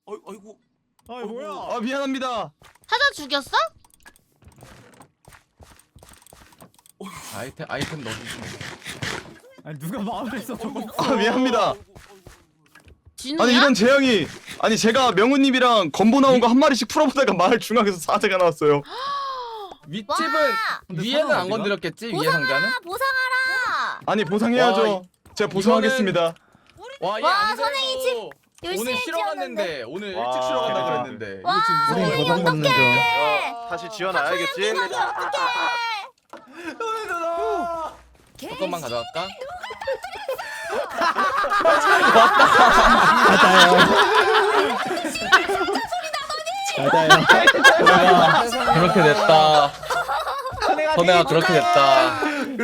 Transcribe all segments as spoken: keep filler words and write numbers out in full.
어이, 어이구. 아이 뭐야? 아 미안합니다. 사자 죽였어? 아이템 아이템 넣어주시면. 아니 누가 마을에서 저거? 아 미안합니다. 진우야? 아니 이런 재앙이. 아니 제가 명우님이랑 건보 나온 거 한 마리씩 풀어보다가 마을 중앙에서 사자가 나왔어요. 윗집은 근데 위에는 사람 안 어디가? 건드렸겠지? 위에 상자는? 보상하라. 아니 보상해야죠. 와, 제가 보상하겠습니다. 와, 얘 와, 안 선행이 그래도 열심히 오늘 쉬러 뛰었는데. 갔는데 오늘 와, 일찍 쉬러 간다 대박. 그랬는데. 와, 우린 보상 받는 중. 다시 지원해야겠지. 조금만 가져갈까? 맞아요. 그렇게 됐다. 선혜가 그렇게 됐다.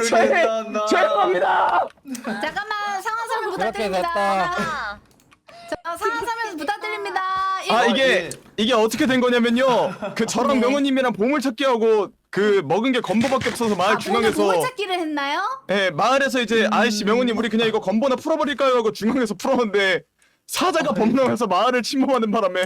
죄송합니다. 잠깐만 상한 설명 그렇게 부탁드립니다. 아, 자, 상한 설명 부탁드립니다. 아 이게 이게 어떻게 된 거냐면요. 그 저랑 네. 명우님이랑 보물찾기 하고 그 먹은 게 건보밖에 없어서 마을 아, 오늘 중앙에서 보물찾기를 했나요? 예 마을에서 이제 아이씨 명우님 우리 그냥 이거 건보나 풀어버릴까요 하고 중앙에서 풀었는데 사자가 범람해서 마을을 침범하는 바람에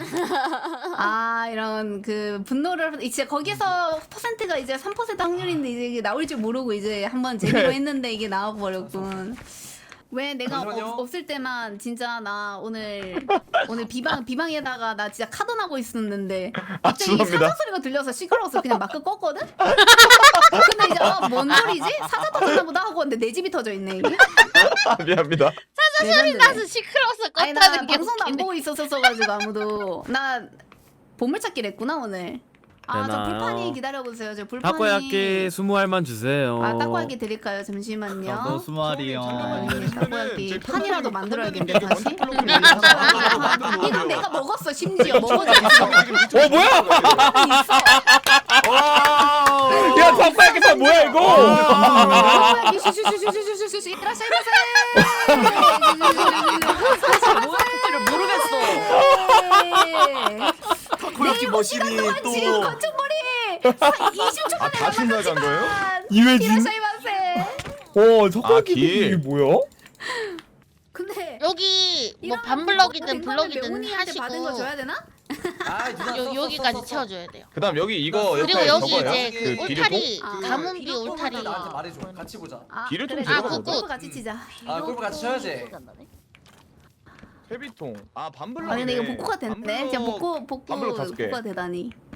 아 이런 그 분노를 이제 거기서 퍼센트가 이제 삼 퍼센트 확률인데 이제 이게 나올 줄 모르고 이제 한번 제기로 네. 했는데 이게 나와버렸군. 왜 내가 잠시만요. 없, 없을 때만 진짜 나 오늘 오늘 비방 비방에다가 나 진짜 카던하고 있었는데 아 갑자기 죄송합니다. 사자 소리가 들려서 시끄러워서 그냥 마크 껐거든? 근데 이제 아, 뭔 소리지? 사자 터졌나 보다 하고 근데 내 집이 터져 있네 이게. 아 미안합니다. 사자 소리 나서 시끄러워서 아니 나 껐다는 게 방송도 안 웃기네. 보고 있었어가지고 아무도 나 보물찾기를 했구나 오늘. 아 저 되나요? 불판이 기다려보세요. 저 불판이. 타코야끼 스무 알만 주세요. 아 타코야끼 드릴까요? 잠시만요. 저도 스무 알이요. 네, 타코야끼 제 판이라도 만들어야겠네 이렇게 다시. 원탁 블록으로 만들어서 이건 내가 먹었어 심지어 먹어줬어. 어 뭐야? 와. 야 박사야끼 다 뭐야 이거? 타코야끼 슈슈슈슈슈슈슈 이라샤이 마세. 뭔지를 모르겠어. 타코야끼 머신이 또. 지금 건축머리 이십 초 아 만에 다시 나간 거예요? 이회진? 이라샤이 마세. 어 아, 길. 뭐야? 근데 여기 뭐 이러면 반블럭이든 뭐가 된 거면 블럭이든 명훈이한테 하시고 받은 거 줘야 되나? 아, 누나 요, 썼어, 여기까지 썼어, 채워줘야 돼요. 그다음 여기 이거 그리고 옆에 여기 저거요? 이제 그 그 비료고? 울타리 아, 가문비 비료 뽑을 울타리 때 나한테 말해줘. 같이 보자. 아, 길을 좀 그래, 들어가 그래. 보자. 골프 같이 치자. 아, 골프 같이 쳐야지. 회비통. 아 반블럭. 아 근데 이거 복구가 됐네. 반블럭- 진짜 복구 복구 반블럭 다섯 개. 복구가 되다니.